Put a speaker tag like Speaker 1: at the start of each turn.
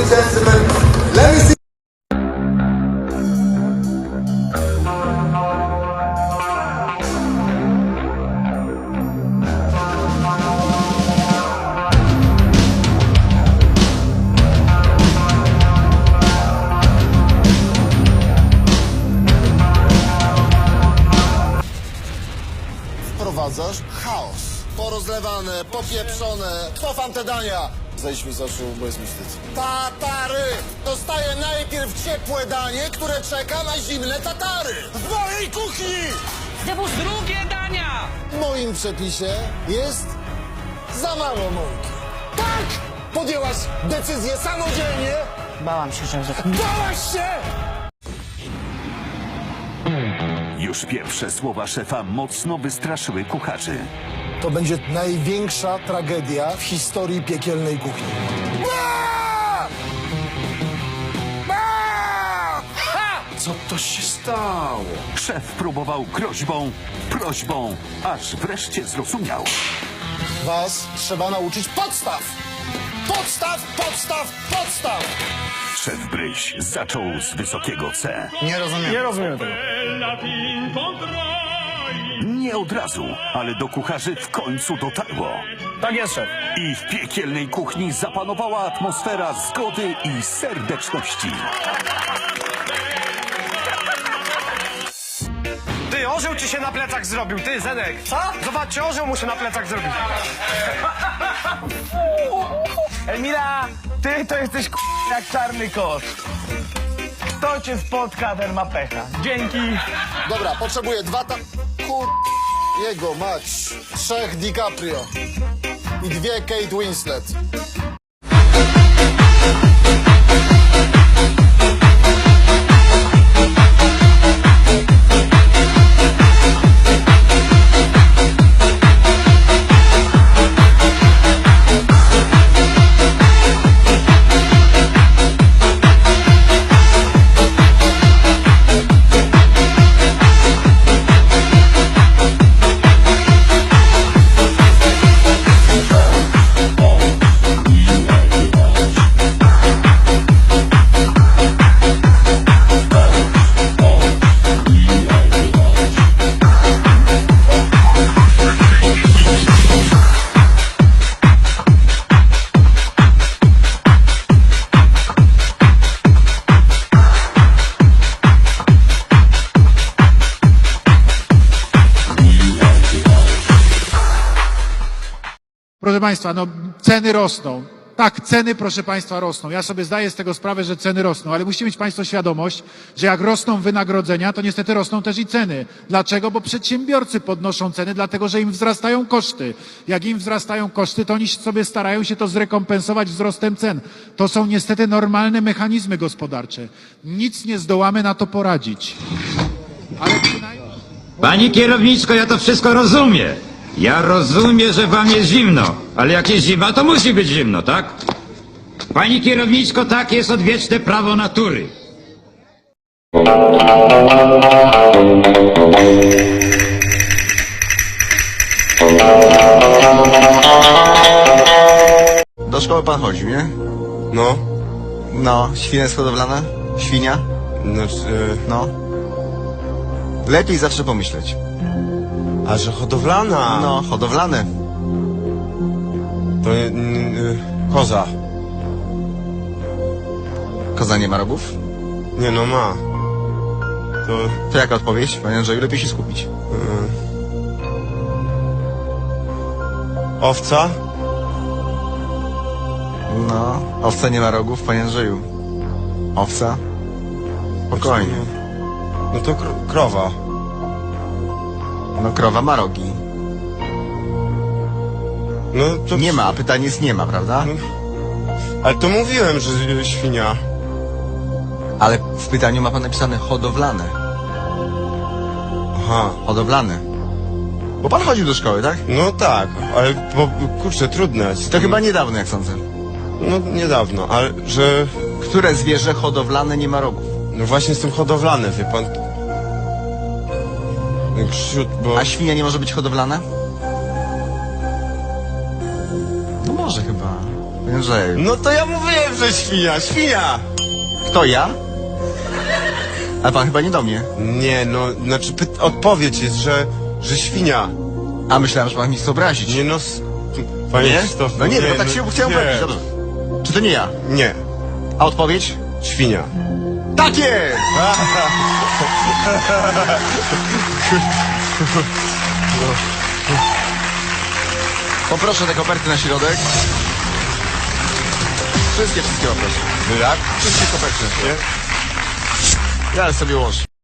Speaker 1: and gentlemen, let me see.
Speaker 2: Wprowadzasz chaos. Porozlewane, popieprzone. Co wam te dania? Zejdź mi z oczu, bo jest mi wstyd. Tatary! Dostaję najpierw ciepłe danie, które czeka na zimne tatary. W mojej kuchni!
Speaker 3: Zjadł drugie dania!
Speaker 2: W moim przepisie jest za mało mąki. Tak! Podjęłaś decyzję samodzielnie!
Speaker 3: Bałam się, że...
Speaker 2: Bałaś się!
Speaker 4: Już pierwsze słowa szefa mocno wystraszyły kucharzy.
Speaker 2: To będzie największa tragedia w historii piekielnej kuchni.
Speaker 5: Co to się stało?
Speaker 4: Szef próbował prośbą, aż wreszcie zrozumiał.
Speaker 2: Was trzeba nauczyć podstaw! Podstaw, podstaw, podstaw!
Speaker 4: Szef Bryś zaczął z wysokiego C.
Speaker 2: Nie rozumiem.
Speaker 5: Nie rozumiem tego.
Speaker 4: Nie od razu, ale do kucharzy w końcu dotarło.
Speaker 5: Tak jest, szef.
Speaker 4: I w piekielnej kuchni zapanowała atmosfera zgody i serdeczności.
Speaker 5: Ty, orzeł ci się na plecach zrobił, ty, Zenek. Co? Zobaczcie, orzeł mu się na plecach zrobił.
Speaker 6: Emila, ty to jesteś jak czarny kot. Kto cię spotka, ten ma pecha. Dzięki.
Speaker 2: Dobra, potrzebuję jego mać. 3 DiCaprio. I 2 Kate Winslet.
Speaker 7: Proszę Państwa, no ceny rosną. Tak, ceny, proszę Państwa, rosną. Ja sobie zdaję z tego sprawę, że ceny rosną, ale musicie mieć Państwo świadomość, że jak rosną wynagrodzenia, to niestety rosną też i ceny. Dlaczego? Bo przedsiębiorcy podnoszą ceny, dlatego że im wzrastają koszty. Jak im wzrastają koszty, to oni sobie starają się to zrekompensować wzrostem cen. To są niestety normalne mechanizmy gospodarcze. Nic nie zdołamy na to poradzić. Ale przynajmniej...
Speaker 8: Pani kierowniczko, ja to wszystko rozumiem. Ja rozumiem, że wam jest zimno, ale jak jest zima, to musi być zimno, tak? Pani kierowniczko, tak jest odwieczne prawo natury.
Speaker 1: Do szkoły pan chodził, nie?
Speaker 5: No,
Speaker 1: No, świnia jest hodowlana? Świnia? No. Lepiej zawsze pomyśleć.
Speaker 5: a że hodowlana.
Speaker 1: No, hodowlane.
Speaker 5: To koza.
Speaker 1: Koza nie ma rogów?
Speaker 5: Nie no, ma.
Speaker 1: To jaka odpowiedź? Panie Andrzeju, lepiej się skupić.
Speaker 5: Owca?
Speaker 1: No, owca nie ma rogów, panie Andrzeju. Owca? Spokojnie.
Speaker 5: No to krowa.
Speaker 1: No, krowa ma rogi.
Speaker 5: No to...
Speaker 1: Nie ma, a pytanie jest nie ma, prawda?
Speaker 5: Ale to mówiłem, że świnia.
Speaker 1: Ale w pytaniu ma pan napisane hodowlane.
Speaker 5: Aha.
Speaker 1: Hodowlane. Bo pan chodził do szkoły, tak?
Speaker 5: No tak, ale kurczę, trudne.
Speaker 1: To chyba niedawno, jak sądzę.
Speaker 5: No niedawno, ale że...
Speaker 1: Które zwierzę hodowlane nie ma rogów?
Speaker 5: No właśnie jestem hodowlany, wie pan. Bo...
Speaker 1: A świnia nie może być hodowlana? No może chyba. Panie Andrzeju.
Speaker 9: No to ja mówiłem, że świnia, świnia!
Speaker 1: Kto, ja? A pan chyba nie do mnie.
Speaker 9: Nie, no, znaczy odpowiedź jest, że świnia.
Speaker 1: A myślałem, że pan mi chce obrazić.
Speaker 9: Nie no, panie
Speaker 1: Nie?
Speaker 9: Krzysztof,
Speaker 1: No nie, no bo tak się chciałem
Speaker 9: nie.
Speaker 1: powiedzieć, dobrze. Czy to nie ja?
Speaker 9: Nie,
Speaker 1: A odpowiedź?
Speaker 9: świnia.
Speaker 1: Tak jest! Poproszę te koperty na środek. Wszystkie poproszę.
Speaker 9: Jak?
Speaker 1: Wszystkie koperty.
Speaker 9: Nie?
Speaker 1: Ja sobie ułożę.